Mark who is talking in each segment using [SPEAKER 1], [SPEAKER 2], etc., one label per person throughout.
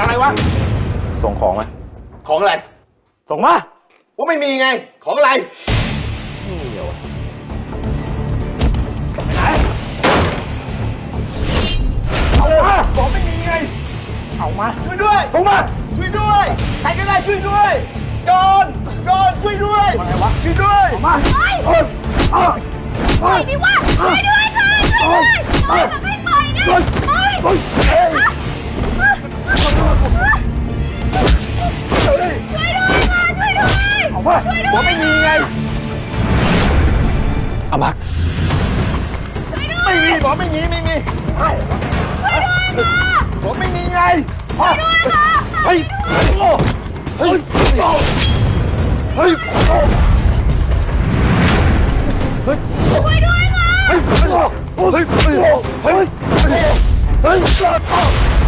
[SPEAKER 1] อะไรวะ
[SPEAKER 2] ส่งของมา
[SPEAKER 1] ของอะไร
[SPEAKER 2] ส่งมา
[SPEAKER 1] ว่าไม่มีไงของอะไร
[SPEAKER 2] นี่เดี๋ยว
[SPEAKER 1] ไหนเอามาบอกไม่มีไง
[SPEAKER 2] เอามา
[SPEAKER 1] ช่วยด้วย
[SPEAKER 2] ส่งมา
[SPEAKER 1] ช่วยด้วยใครก็ได้ช่วยด้วยโจรช่วยด้วยอะไรวะช่วยด้วย
[SPEAKER 2] มา
[SPEAKER 3] ปล่อยดิวะช่วยด้วยค่ะช่วยด้วยปล่อยมันไม่ปล่อยนะปล่อยช่วยด้วยค่ะช่วยด้วย
[SPEAKER 2] เอามา
[SPEAKER 1] บอกไม่มีไง
[SPEAKER 2] เอามา
[SPEAKER 1] ไม่มีบอกไม่มี
[SPEAKER 3] ช่วยด้วยค่ะ
[SPEAKER 1] บอกไม่มีไง
[SPEAKER 3] ช่วยด้วยค่ะ
[SPEAKER 2] เฮ้ยเฮ้ยเฮ้ยเฮ้ย
[SPEAKER 3] ช่วยด้วยค่ะ
[SPEAKER 2] เฮ้ยเฮ้ยเฮ้ยเฮ้ยเฮ้ย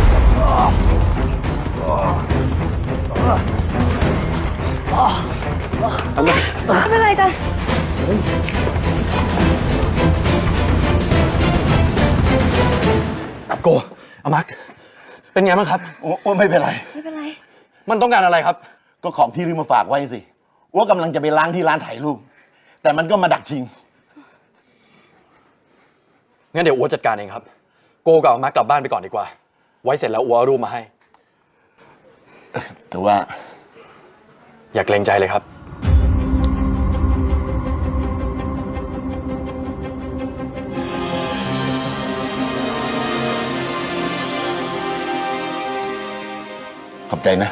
[SPEAKER 3] ไม่เป็นไรกัน
[SPEAKER 2] โกอามักเป็นไงบ้างครับ
[SPEAKER 1] โอ้ไม่เป็นไร
[SPEAKER 3] ไม่เป็นไร
[SPEAKER 2] มันต้องการอะไรครับ
[SPEAKER 1] ก็ของที่ลืมมาฝากไว้สิว่ากำลังจะไปล้างที่ร้านถ่ายรูปแต่มันก็มาดักชิง
[SPEAKER 2] งั้นเดี๋ยวอัวจัดการเองครับโกกับอามักกลับบ้านไปก่อนดีกว่าไว้เสร็จแล้วอัวเอารูปมาให้
[SPEAKER 1] แต่ว่า
[SPEAKER 2] อย่าเกรงใจเลยครับ
[SPEAKER 1] ขอบใจนะ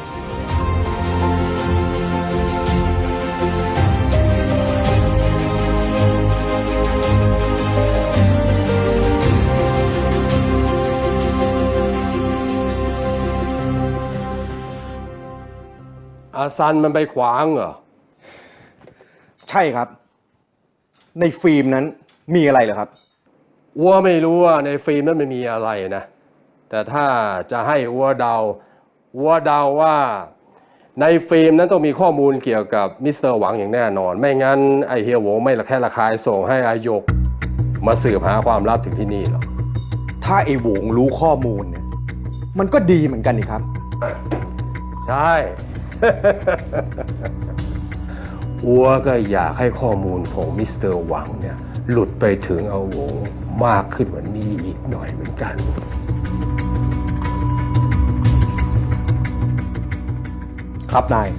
[SPEAKER 4] อาซันมันไปขวางเหรอ
[SPEAKER 5] ใช่ครับในฟิล์มนั้นมีอะไรเหรอครับ
[SPEAKER 4] อัวไม่รู้ว่าในฟิล์มนั้นมันมีอะไรนะแต่ถ้าจะให้อัวเดาว่าในฟิล์มนั้นต้องมีข้อมูลเกี่ยวกับมิสเตอร์หวังอย่างแน่นอนไม่งั้นไอเฮียโหวไม่ละแค่ระคายส่งให้อายกมาสืบหาความลับถึงที่นี่หรอก
[SPEAKER 5] ถ้าไอ้โหวงรู้ข้อมูลเนี่ยมันก็ดีเหมือนกันนี่ครับ
[SPEAKER 4] ใช่ อัวก็อยากให้ข้อมูลของมิสเตอร์หวังเนี่ยหลุดไปถึงอาโหวงมากขึ้นกว่านี้อีกหน่อยเหมือนกัน
[SPEAKER 5] ครับนาย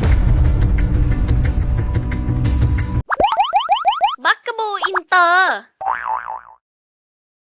[SPEAKER 3] บักกะบูอินเตอร์